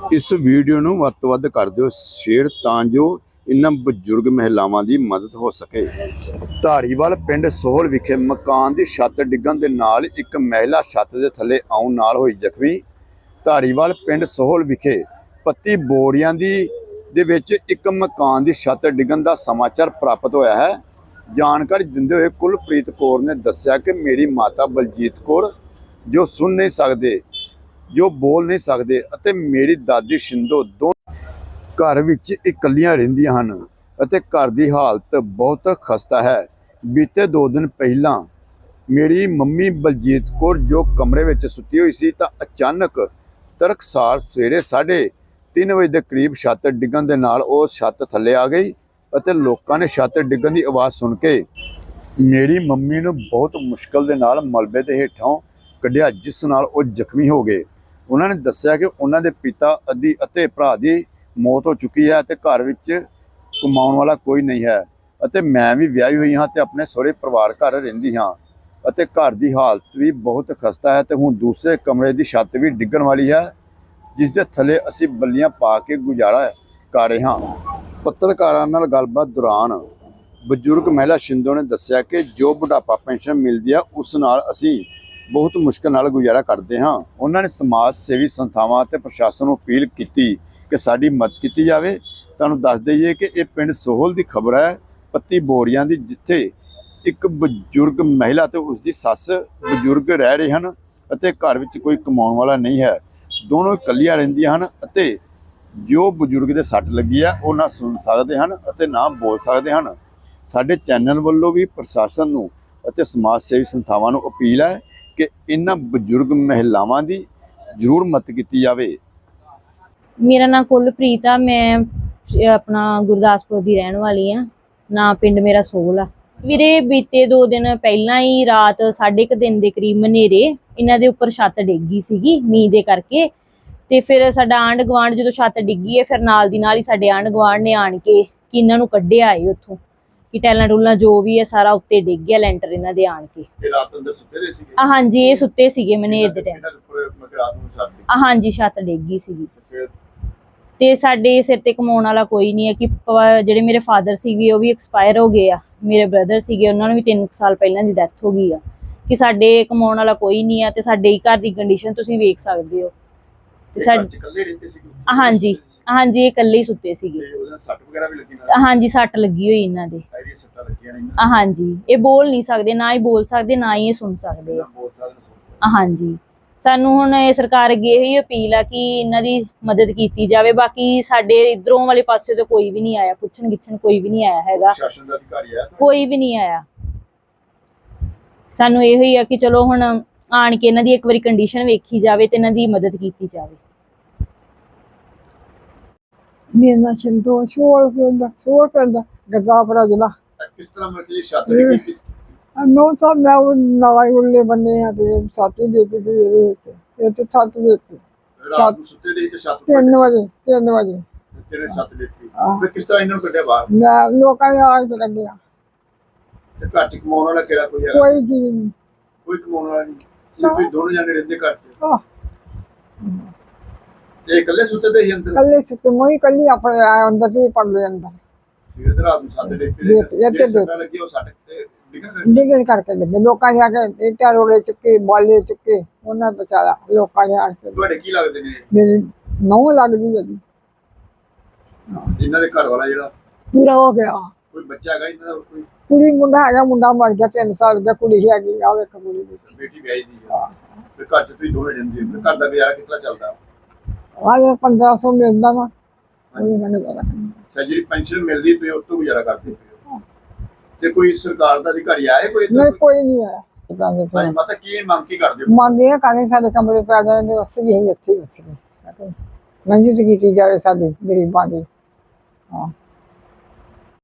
इस वीडियो ਨੂੰ ਵੱਧ ਤੋਂ ਵੱਧ ਕਰ ਦਿਓ ਸ਼ੇਅਰ ਤਾਂ ਜੋ ਇਨ੍ਹਾਂ ਬਜ਼ੁਰਗ ਮਹਿਲਾਵਾਂ ਦੀ ਮਦਦ ਹੋ ਸਕੇ। ਧਾਰੀਵਾਲ ਪਿੰਡ ਸੋਹਲ ਵਿਖੇ ਮਕਾਨ ਦੀ ਛੱਤ ਡਿੱਗਣ ਦੇ ਨਾਲ ਇੱਕ ਮਹਿਲਾ ਛੱਤ ਦੇ ਥੱਲੇ ਆਉਣ ਨਾਲ ਹੋਈ ਜ਼ਖਮੀ। ਧਾਰੀਵਾਲ ਪਿੰਡ ਸੋਹਲ ਵਿਖੇ ਪੱਤੀ ਬੋੜੀਆਂ ਦੇ ਵਿੱਚ ਇੱਕ ਮਕਾਨ ਦੀ ਛੱਤ ਡਿੱਗਣ ਦਾ ਸਮਾਚਾਰ ਪ੍ਰਾਪਤ ਹੋਇਆ ਹੈ। ਜਾਣਕਾਰੀ ਦਿੰਦੇ ਹੋਏ ਕੁਲਪ੍ਰੀਤ ਕੌਰ ਨੇ ਦੱਸਿਆ ਕਿ ਮੇਰੀ ਮਾਤਾ ਬਲਜੀਤ ਕੌਰ ਜੋ ਸੁਣ ਨਹੀਂ ਸਕਦੇ, जो बोल नहीं सकते अते मेरी दादी शिंदो दोनों घर विच इकल्लियां रहिंदियां हन अते घर दी हालत बहुत खस्ता है। बीते 2 दिन पहला मेरी मम्मी बलजीत कौर जो कमरे विच सुती हुई सी तां अचानक तड़कसार सवेरे 3:30 बजे के करीब छत डिगन दे नाल ओह छत थल्ले आ गई अते लोकां ने छत डिगन की आवाज़ सुन के मेरी मम्मी नूं बहुत मुश्किल दे नाल मलबे दे हेठों कढ़िया, जिस नाल ओह जख्मी हो गए। उन्होंने दस्सिया कि उन्होंने पिता अदी अते भरा की मौत हो चुकी है ते घर विच कमाउण वाला कोई नहीं है अते मैं भी विआही हुई हाँ ते अपने सहुरे परिवार घर रहिंदी हाँ अते घर की हालत भी बहुत खस्ता है ते हुण दूसरे कमरे की छत भी डिगण वाली है, जिस दे थले असीं बल्लियां पा के गुजारा कर रहे हाँ। पत्रकारां नाल गलबात दौरान बजुर्ग महिला शिंदो ने दस्सिया कि जो बुढ़ापा पेंशन मिलती है उस नाल असीं बहुत मुश्किल नाल गुजारा करते हाँ। उन्होंने समाज सेवी संस्थावां ते प्रशासन नूं अपील की कि साडी मदद की जाए। तुहानूं दस दईए कि यह पिंड सोहल की खबर है पत्ती बोड़ियां दी, जिथे एक बजुर्ग महिला ते उसकी सस बजुर्ग रह रहे हैं अते घर विच कोई कमाउण वाला नहीं है। दोनों इकल्लियां रहिंदियां हन अते जो बजुर्ग दे सट लगी है वो ना सुन सकते हैं अते ना बोल सकते हैं। साडे चैनल वालों भी प्रशासन नूं अते समाज सेवी संस्थावां नूं अपील है कि इन्हां बजुर्ग महिलावां दी जरूर मदद की जाए। मेरा नाम कुलप्रीत आ, मैं अपना गुरदासपुर की रहने वाली हाँ। ना पिंड मेरा सोहल आ। वीरे बीते 2 दिन पहला ही रात 1:30 दिन के करीब मनेरे इन्हां दे उपर छत डिग गई सीगी मींह दे करके। ते फिर साडा आंढ गुआंढ जो छत डिगी है फिर नाल दी नाल ही साडे आंढ गुआंढ ने आण के कि इन्हां नूं कड्ढिया है उत्थों कि टैलां टूलां जो भी है सारा उत्ते डिग गया लैंटर इन्हां दे आण के। रात अंदर सुते दे सीगे? हाँ जी, ये सुते सीगे मनेर दे टाइम। हाँ जी, छत डिग गई सीगी ते साडे सिर ते कमाउण वाला कोई नहीं है कि ਜਿਹੜੇ ਮੇਰੇ ਫਾਦਰ ਸੀਗੇ ਉਹ ਵੀ ਐਕਸਪਾਇਰ ਹੋ ਗਏ ਆ। ਮੇਰੇ ਬ੍ਰਦਰ ਸੀਗੇ ਉਹਨਾਂ ਨੂੰ ਵੀ 3 ਸਾਲ ਪਹਿਲਾਂ ਦੀ ਡੈਥ ਹੋ ਗਈ ਆ ਕਿ ਸਾਡੇ ਕਮਾਉਣ ਵਾਲਾ ਕੋਈ ਨਹੀਂ ਆ ਤੇ ਸਾਡੇ ਘਰ ਦੀ ਕੰਡੀਸ਼ਨ ਤੁਸੀਂ ਵੇਖ ਸਕਦੇ ਹੋ। ਤੇ ਸਾਡੇ ਇਕੱਲੇ ਰਹਿੰਦੇ ਸੀ? ਹਾਂਜੀ ਹਾਂਜੀ, ਇਹ ਇਕੱਲੇ ਹੀ ਸੁੱਤੇ ਸੀਗੇ। ਤੇ ਉਹਦੇ ਨਾਲ ਸੱਟ ਵਗੈਰਾ ਵੀ ਲੱਗੀ ਨਾਲ? ਹਾਂਜੀ, ਸੱਟ ਲੱਗੀ ਹੋਈ ਇਹਨਾਂ ਦੇ। ਇਹਦੀ ਸੱਟਾਂ ਲੱਗੀਆਂ ਨੇ? ਹਾਂਜੀ, ਇਹ ਬੋਲ ਨਹੀਂ ਸਕਦੇ, ਨਾ ਹੀ ਬੋਲ ਸਕਦੇ ਨਾ ਹੀ ਇਹ ਸੁਣ ਸਕਦੇ ਆ। ਹਾਂਜੀ, ਸਾਨੂੰ ਹੁਣ ਇਹ ਸਰਕਾਰ ਅੱਗੇ ਇਹੀ अपील ਆ कि ਇਹਨਾਂ ਦੀ ਮਦਦ ਕੀਤੀ ਜਾਵੇ। ਬਾਕੀ ਸਾਡੇ ਇਧਰੋਂ ਵਾਲੇ ਪਾਸੇ ਤੋਂ ਕੋਈ ਵੀ ਨਹੀਂ ਆਇਆ, ਪੁੱਛਣ ਗਿੱਛਣ ਕੋਈ ਵੀ ਨਹੀਂ ਆਇਆ ਹੈਗਾ। ਪ੍ਰਸ਼ਾਸਨ ਦਾ ਅਧਿਕਾਰੀ ਆਇਆ? ਕੋਈ ਵੀ ਨਹੀਂ ਆਇਆ। ਸਾਨੂੰ ਇਹੋ ਹੀ ਆ ਕਿ ਚਲੋ ਹੁਣ ਆਣ ਕੇ ਇਹਨਾਂ ਦੀ ਇੱਕ ਵਾਰੀ ਕੰਡੀਸ਼ਨ ਵੇਖੀ ਜਾਵੇ ਤੇ ਇਹਨਾਂ ਦੀ ਮਦਦ ਕੀਤੀ ਜਾਵੇ। ਮੇਰਾ ਨਾਮ ਸ਼ਿੰਦੋ ਸੋਹਲ ਪਿੰਡ ਗੁਰਦਾਸਪੁਰ ਜ਼ਿਲ੍ਹਾ। ਕਿਸ ਤਰ੍ਹਾਂ ਮਤਲਬ ਕਿ ਛੱਤ ਡਿੱਗੀ? ਨੋ ਤਾਂ ਮੈਂ ਉਹ ਨਾਲ ਉਰਲੇ ਬੰਨੇ ਆ ਤੇ ਸਾਥੀ ਦੇ ਕੇ ਇਹਦੇ ਵਿੱਚ ਇਹ ਤੇ ਛੱਤ ਦੇ ਉੱਤੇ ਰਾਤ ਨੂੰ ਸੁੱਤੇ ਦੇ ਤੇ ਛੱਤ 3 ਵਜੇ ਤੇਰੇ ਛੱਤ ਡਿੱਗੀ। ਫਿਰ ਕਿਸ ਤਰ੍ਹਾਂ ਇਹਨਾਂ ਨੂੰ ਕੱਢਿਆ ਬਾਹਰ? ਮੈਂ ਲੋਕਾਂ ਨੇ ਆਗ ਤੇ ਕੱਢਿਆ। ਤੇ ਘਰ ਚ ਕਮਾਉਣ ਵਾਲਾ ਕਿਹੜਾ ਕੋਈ ਹੈ? ਕੋਈ ਜੀ ਨਹੀਂ, ਕੋਈ ਕਮਾਉਣ ਵਾਲਾ ਨਹੀਂ, ਸਿਰਫ ਇਹ ਦੋਨੋਂ ਜਾਣੇ ਰਹਿੰਦੇ ਘਰ ਚ। ਤੇ ਇਕੱਲੇ ਸੁੱਤੇ ਦੇ ਹੀ ਅੰਦਰ? ਇਕੱਲੇ ਸੁੱਤੇ, ਮੈਂ ਇਕੱਲੀ ਆਪਣੇ ਅੰਦਰ ਸੀ ਪੜਦੇ ਅੰਦਰ। ਫਿਰ ਰਾਤ ਨੂੰ ਛੱਤ ਡਿੱਗੀ ਸੱਟਾਂ ਲੱਗੀਆਂ ਉਹ ਸੱਟ ਤੇ ਡਿਗਣ ਕਰਕੇ ਲੱਗੇ। ਲੋਕਾਂ ਨੇ ਆ ਕੇ ਇੱਟਾਂ ਰੋੜੇ ਚੁੱਕੇ, ਬਾਲੇ ਚੁੱਕੇ, ਉਹਨਾਂ ਬਚਾਇਆ ਲੋਕਾਂ ਨੇ ਆ ਕੇ। ਤੁਹਾਡੇ ਕੀ ਲੱਗਦੇ ਨੇ? ਮੇਰੀ ਨਹੁੰ ਲੱਗਦੀ ਹੈ ਜੀ। ਇਹਨਾਂ ਦੇ ਘਰ ਵਾਲਾ ਜਿਹੜਾ ਪੂਰਾ ਹੋ ਗਿਆ। ਕੋਈ ਬੱਚਾ ਹੈਗਾ ਇਹਨਾਂ ਦਾ? ਕੋਈ ਕੁੜੀ ਮੁੰਡਾ ਹੈਗਾ, ਮੁੰਡਾ ਮਰ ਗਿਆ 3 ਸਾਲ ਦਾ, ਕੁੜੀ ਹੈਗੀ ਆ ਵੇਖ ਕੁੜੀ ਦੀ ਬੇਟੀ ਵਿਆਹੀ ਦੀ ਆ। ਫਿਰ ਘਰ ਚ ਤੁਸੀਂ ਦੋਵੇਂ ਰਹਿੰਦੇ ਹੋ, ਘਰ ਦਾ ਗੁਜ਼ਾਰਾ ਕਿਸ ਤਰ੍ਹਾਂ ਚੱਲਦਾ? ਆ 1500 ਮਿਲਦਾ ਨਾ ਉਹ ਇਹਨਾਂ ਨੇ ਬੜਾ ਜਿਹੜੀ ਪੈਨਸ਼ਨ ਮਿਲਦੀ ਪਈ ਉਹ ਤੋਂ ਗੁਜ਼ਾਰਾ ਕਰਦੇ ਪਏ। ਤੇ ਕੋਈ ਸਰਕਾਰ ਦਾ ਅਧਿਕਾਰੀ ਆਇਆ? ਕੋਈ ਨਹੀਂ, ਕੋਈ ਨਹੀਂ ਆਇਆ। ਹਾਂਜੀ ਮਾਤਾ, ਕੀ ਮੰਗ ਕੀ ਕਰਦੇ ਹੋ? ਮੰਗ ਇਹ ਕਰਦੇ ਸਾਡੇ ਕਮਰੇ ਪੈ ਜਾਂਦੇ ਬਸ ਇਹੀ ਇੱਥੇ ਬਸ ਮੰਜੀ ਕੀਤੀ ਜਾਵੇ ਸਾਡੀ ਗਰੀਬਾਂ ਦੀ। ਹਾਂ।